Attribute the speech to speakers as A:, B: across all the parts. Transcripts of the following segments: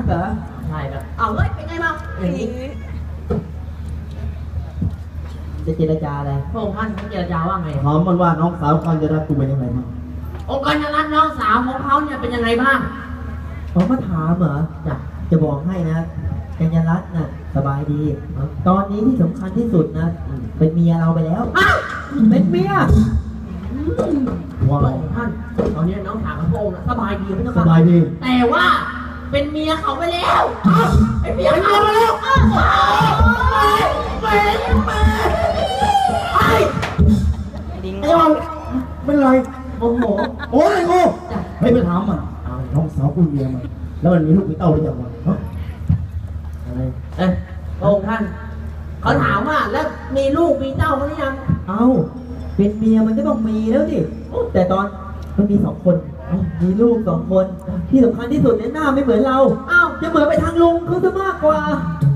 A: กเหรอ
B: ใช่ครับเอาเฮ้ยเป็นไงบ้างอย่างนี้
A: จะเจรจาอะไร
B: พระองค์ท่านเจรจาว่าไง
C: ถามมันว่าน้องสาวกัญญารัตน์กูเป็นยังไงบ้าง
B: องค์กัญญารัตน์น้องสาวของเขาเนี่ยเป็นยังไงบ้าง
A: เขามาถามเหรอจะบอกให้นะกัญญารัตน์น่ะสบายดีตอนนี้ที่สำคัญที่สุดนะเป็นเมียเราไปแล้วเป็นเมีย
C: ว่า
B: ท่านตอนนี้น้องสาวของพระองค์สบายดีไม่ต้อง
C: สบายดี
B: แต่ว่าเป็นเมียเขาไปแล้วเป็นเมียเขาไปแล้วไอ้
C: เป็นไร
B: โอ้โห
C: โอ้ยโง่ให้ไปถามมันน้องสาวกูเมียมันแล้วมันมีลูกมีเต้าหรือยังวะอะไร
B: พระองค์ท่านเขาถามว่าแล้วมีลูกมีเต้าหรือยัง
A: เอาเป็นเมียมันก็ต้องมีแล้วสิแต่ตอนมันมี2 คนมีลูก2 คนที่สำคัญที่สุดเนี่ยหน้าไม่เหมือนเราจะเหมือนไปทางลุงเขาซะมากกว่า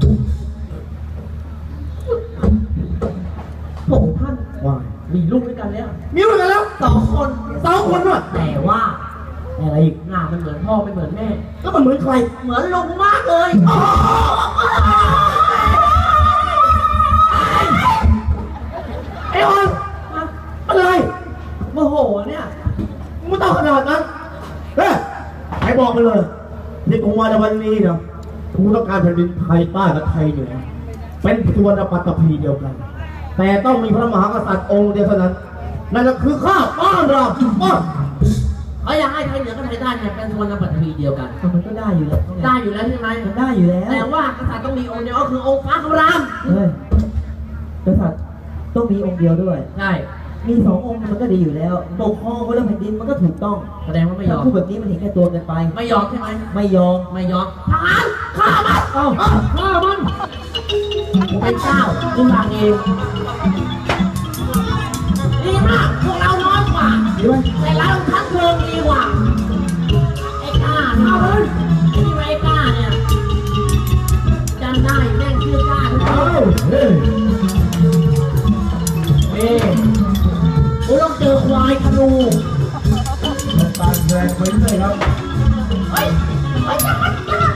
A: พระองค์ท่าน
C: ว่า
B: มีลูกด้วยกันแล้ว
C: มีลูกกันแล้ว
B: 2 คน
C: ด้วย
B: แต่ว่า
C: อะไรอีก
B: หน้ามันเหมือนพ่อไม่เหมือนแม่
C: แล้วมันเหมือนใคร
B: เหมือนลุงมากเลย
C: ไอ้ออนอะไร
B: โมโหเนี่ย
C: มึงต้องขนาดนั้นเฮ้ยใครบอกมาเลยนี่กูมาในวันนี้เนาะกูต้องการแผ่นดินไทยใต้กับไทยเหนือเป็นตัวนปัตตภีเดียวกันแต่ต้องมีพระมหากษัตริย์องค์เดียวเท่านั้นนั่นก็คือข้าบ้านเรา
B: เขาอยากให้ไทยเหนือกับไทยใต้เนี่ยเป็นส่วนปัตตภีเดียวกัน
A: มันก็ได้อยู่แล้ว
B: ได้อยู่แล้วใช่ไหม
A: มันได้อยู่แล้ว
B: แต่ว่ากษัตริย์ต้องมีองค์เดียวก็คือองค์พระคำราม
A: เฮ้ยกษัตริย์ต้องมีองค์เดียวด้วย
B: ใช่
A: มี2 องค์มันก็ดีอยู่แล้วปกครองคนละแผ่นดินมันก็ถูกต้อง
B: แสดงว่าไม่ยอม
A: พูดแบบนี้มันเห็นแก่ตัวเกินไป
B: ไม่ยอมใช่ไหม
A: ไม่ยอม
B: ทหารฆ่ามันฆ่ามันผมเป็นเจ้ากูสั่งเองดีมากพวกเราน้อยกว่าแต่เราทัดเทิงดีกว่าไอ้ก้าเนี่ยที่ไอ้ก้าเนี่ยจำได้แม่งชื่อก้าทุกคนกูต้องเจอควายธนู
C: ตาแดงไปเลยครับ
B: เฮ้ยจับมัน